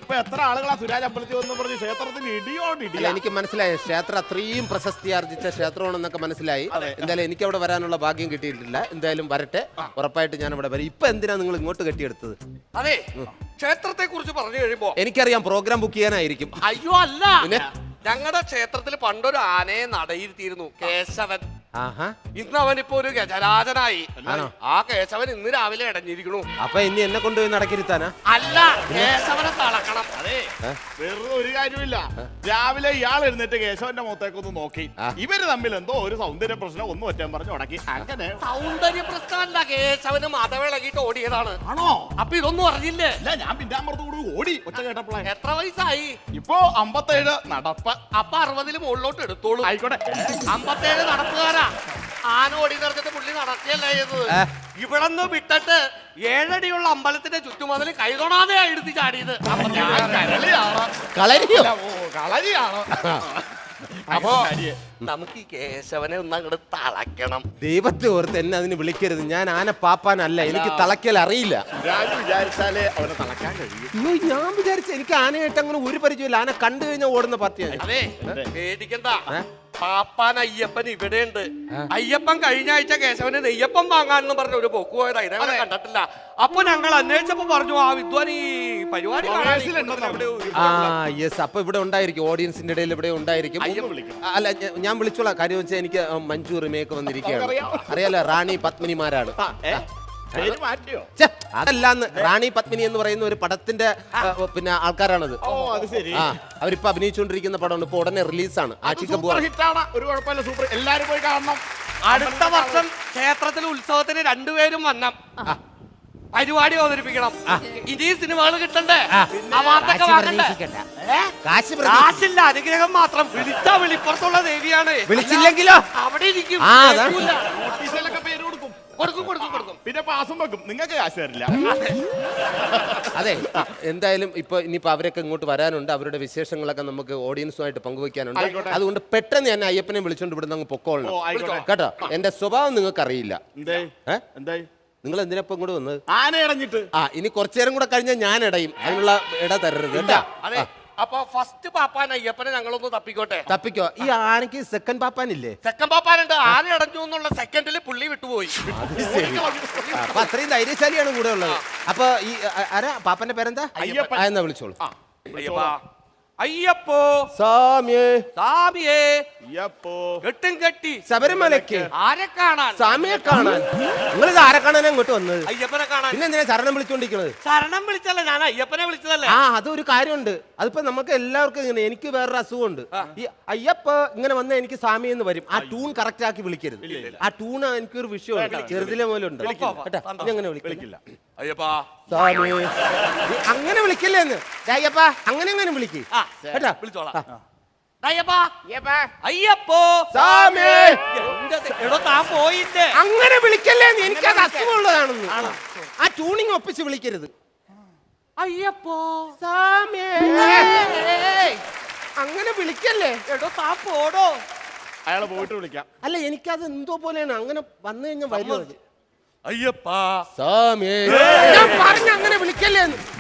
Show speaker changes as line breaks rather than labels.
ഇപ്പൊ എത്ര ആളുകളാ സുരാജ് അമ്പലത്തിൽ വന്ന് പറഞ്ഞ് ക്ഷേത്രത്തിന് ഇടിയോടില്ല.
എനിക്ക് മനസ്സിലായി, ക്ഷേത്രം അത്രയും പ്രശസ്തി ആർജിച്ച ക്ഷേത്രമാണെന്നൊക്കെ മനസ്സിലായി. എന്തായാലും എനിക്ക് അവിടെ വരാനുള്ള ഭാഗ്യം കിട്ടിയിട്ടില്ല. എന്തായാലും വരട്ടെ, ഉറപ്പായിട്ട് ഞാൻ അവിടെ വരും. ഇപ്പൊ എന്തിനാ നിങ്ങൾ ഇങ്ങോട്ട് കെട്ടിയെടുത്തത്?
അതെ, ക്ഷേത്രത്തെ കുറിച്ച് പറഞ്ഞു കഴിയുമ്പോ
എനിക്കറിയാം, പ്രോഗ്രാം ബുക്ക് ചെയ്യാനായിരിക്കും.
അയ്യോ അല്ല, ഞങ്ങളുടെ ക്ഷേത്രത്തിൽ പണ്ടൊരു ആനയെ നടയിരുത്തിയിരുന്നു, കേശവൻ. ഇന്ന് അവനിപ്പോ ഒരു ഗജരാജനായി. ആ കേശവൻ ഇന്ന് രാവിലെ ഇടഞ്ഞിരിക്കണു.
അപ്പൊ ഇനി എന്നെ കൊണ്ടുപോയി നടക്കിരുത്താനാ?
അല്ല, കേശവനെ തളക്കണം.
അതെ, വെറുതെ ഒരു കാര്യമില്ല. രാവിലെ ഇയാൾ എഴുന്നേറ്റ് കേശവന്റെ മുഖത്തേക്കൊന്ന് നോക്കി, ഇവര് തമ്മിൽ എന്തോ ഒരു സൗന്ദര്യ പ്രശ്നം ഒന്നും ഒറ്റാൻ പറഞ്ഞു ഉടക്കി. അങ്ങനെ
സൗന്ദര്യ പ്രശ്നമല്ല, കേശവന് മതവിളകിട്ട് ഓടിയതാണ്.
ആണോ?
അപ്പൊ ഇതൊന്നും അറിഞ്ഞില്ലേ?
ഇല്ല, ഞാൻ പിന്നാമ്പുറത്ത് കൂടി ഓടി ഒച്ച കേട്ടപ്പോഴേ.
എത്ര വയസ്സായി?
ഇപ്പൊ 57 നടപ്പ്.
അപ്പൊ 60 മുകളിലോട്ട് എടുത്തോളൂ.
ആയിക്കോട്ടെ.
57 നടപ്പുകാരാ. ആന ഓടി നടത്തിട്ട് പുള്ളി നടത്തിയല്ലേ ചെയ്തത്. ഇവിടെന്ന് വിട്ടിട്ട് 7 അടിയുള്ള അമ്പലത്തിന്റെ ചുറ്റുമതിൽ കൈതൊണാതെ എടുത്ത് ചാടിയത്.
കളരിയാണോ?
അപ്പോ നമുക്ക് ഈ കേശവനെ ഒന്ന് അങ്ങോട്ട് തളയ്ക്കണം.
ദൈവത്തെ ഓർത്ത് എന്നെ അതിന് വിളിക്കരുത്. ഞാൻ ആന പാപ്പാനല്ല, എനിക്ക് തളയ്ക്കൽ അറിയില്ല.
വിചാരിച്ചാലേ അവനെ തളയ്ക്കാൻ കഴിയും.
ഞാൻ വിചാരിച്ച എനിക്ക് ആനയായിട്ട് അങ്ങനെ ഒരു പരിചയമില്ല. ആന കണ്ടു കഴിഞ്ഞാൽ ഓടുന്ന പാർട്ടിയാണ്.
അതെ, പേടിക്കണ്ട. പാപ്പാൻ അയ്യപ്പൻ ഇവിടെയുണ്ട്. അയ്യപ്പൻ കഴിഞ്ഞ ആഴ്ച കേശവന് നെയ്യപ്പം വാങ്ങാനെന്ന് പറഞ്ഞ ഒരു പൊക്ക് പോയതാ, ഇതേവരെ കണ്ടിട്ടില്ല. അപ്പൊ ഞങ്ങൾ അന്വേഷിച്ചപ്പോ പറഞ്ഞു, ആ വിദ്വാൻ ഈ പരിപാടി
അപ്പൊ ഇവിടെ ഉണ്ടായിരിക്കും, ഓഡിയൻസിന്റെ ഇടയിൽ ഇവിടെ ഉണ്ടായിരിക്കും. അല്ല, ഞാൻ വിളിച്ചോളാം. കാര്യം വെച്ചാൽ എനിക്ക് മഞ്ജു റിമേക്ക് വന്നിരിക്കുകയാണ്. അറിയാലോ, റാണി പത്മിനിമാരാണ്. അതല്ലാന്ന്, റാണി പത്മിനി എന്ന് പറയുന്ന ഒരു പടത്തിന്റെ പിന്നെ ആൾക്കാരാണത്. അവരിപ്പോ അഭിനയിച്ചുകൊണ്ടിരിക്കുന്ന പടമാണ്, ഇപ്പൊ ഉടനെ റിലീസാണ്.
എല്ലാരും പോയി കാണണം.
അടുത്ത വർഷം ക്ഷേത്രത്തിലെ ഉത്സവത്തിന് 2 പേരും വന്നം, പരിപാടി അവതരിപ്പിക്കണം. ഇനി സിനിമകൾ കിട്ടണ്ടേ? കാശില്ല, അനുഗ്രഹം മാത്രം. വിളിച്ചാ വിളിപ്പുറത്തുള്ള ദേവിയാണ്.
വിളിച്ചില്ലെങ്കിലോ
അവിടെ ഇരിക്കും. കൊടുക്കും.
പിന്നെ പാസും വെക്കും. നിങ്ങൾക്ക് കാശ് തരില്ല.
അതെ, എന്തായാലും ഇപ്പൊ ഇനിയിപ്പോ അവരൊക്കെ ഇങ്ങോട്ട് വരാനുണ്ട്. അവരുടെ വിശേഷങ്ങളൊക്കെ നമുക്ക് ഓഡിയൻസുമായിട്ട് പങ്കുവെക്കാനുണ്ട്. അതുകൊണ്ട് പെട്ടെന്ന് ഞാൻ അയ്യപ്പനെ വിളിച്ചോണ്ട് ഇവിടുന്ന് അങ്ങ് പൊക്കോളണം കേട്ടോ. എന്റെ സ്വഭാവം നിങ്ങൾക്ക് അറിയില്ല. നിങ്ങൾ എന്തിനപ്പം കൂടെ വന്നത്?
ആന ഇടഞ്ഞിട്ട്.
ഇനി കുറച്ചു നേരം കൂടെ കഴിഞ്ഞാൽ ഞാൻ ഇടയും. അതിനുള്ള ഇട തരരുത് കേട്ടോ.
അപ്പൊ ഫസ്റ്റ് പാപ്പാൻ അയ്യപ്പനെ ഞങ്ങളൊന്ന്
തപ്പിക്കോ. ഈ ആനക്ക് സെക്കൻഡ് പാപ്പാനില്ലേ?
സെക്കൻഡ് പാപ്പാനുണ്ട്. ആന അടഞ്ഞു എന്നുള്ള സെക്കൻഡിൽ പുള്ളി വിട്ടുപോയി.
അപ്പൊ അത്രയും ധൈര്യശാലിയാണ് കൂടെ ഉള്ളത്. അപ്പൊ ഈ ആരാ പാപ്പന്റെ പേരെന്താ? എന്നാ വിളിച്ചോളൂ.
അയ്യപ്പോ
സാമിയേ
സാമിയേ
അയ്യപ്പോ
കെട്ടും കെട്ടി
ശബരിമലയ്ക്ക്
ആരെ കാണാൻ?
സാമിയെ കാണാൻ. നിങ്ങളിത് ആരെ കാണാൻ അങ്ങോട്ട് വന്നത്?
അയ്യപ്പനെ കാണാൻ.
പിന്നെ എന്തിനാ ശരണം വിളിച്ചോണ്ടിരിക്കുന്നത്?
ശരണം വിളിച്ചല്ല, ഞാൻ അയ്യപ്പനെ വിളിച്ചതല്ലേ.
അതൊരു കാര്യമുണ്ട്. അതിപ്പോ നമുക്ക് എല്ലാവർക്കും ഇങ്ങനെ, എനിക്ക് വേറൊരു അസുഖമുണ്ട്. ഈ അയ്യപ്പ ഇങ്ങനെ വന്നാൽ എനിക്ക് സാമി എന്ന് വരും. ആ ട്യൂൺ കറക്റ്റ് ആക്കി വിളിക്കരുത്. ആ ട്യൂൺ എനിക്കൊരു വിഷയമുണ്ട്, ചെറുതിലെ പോലെ ഉണ്ട് കേട്ടോ. അങ്ങനെ വിളിക്കില്ല.
അയ്യപ്പാ
സാമി അങ്ങനെ വിളിക്കല്ലേ എന്ന്. അയ്യപ്പ അങ്ങനെ വിളിക്ക് കേട്ടോ.
വിളിച്ചോളാം. അയ്യപ്പോ
സാമി
താൻ പോയില്ലേ?
അങ്ങനെ വിളിക്കല്ലേ, എനിക്കത് അസുഖമുള്ളതാണെന്ന്. ആ ട്യൂണിങ് ഒപ്പിച്ച് വിളിക്കരുത്.
അയ്യപ്പോ
സാമി അങ്ങനെ വിളിക്കല്ലേ.
താൻ പോടോ.
അയാളെ പോയിട്ട് വിളിക്കാം.
അല്ല, എനിക്കത് എന്തോ പോലെയാണ്. അങ്ങനെ വന്നു കഴിഞ്ഞാൽ വരുന്നത്.
അയ്യപ്പാ
സാമി ഞാൻ പറഞ്ഞ അങ്ങനെ വിളിക്കല്ലേ.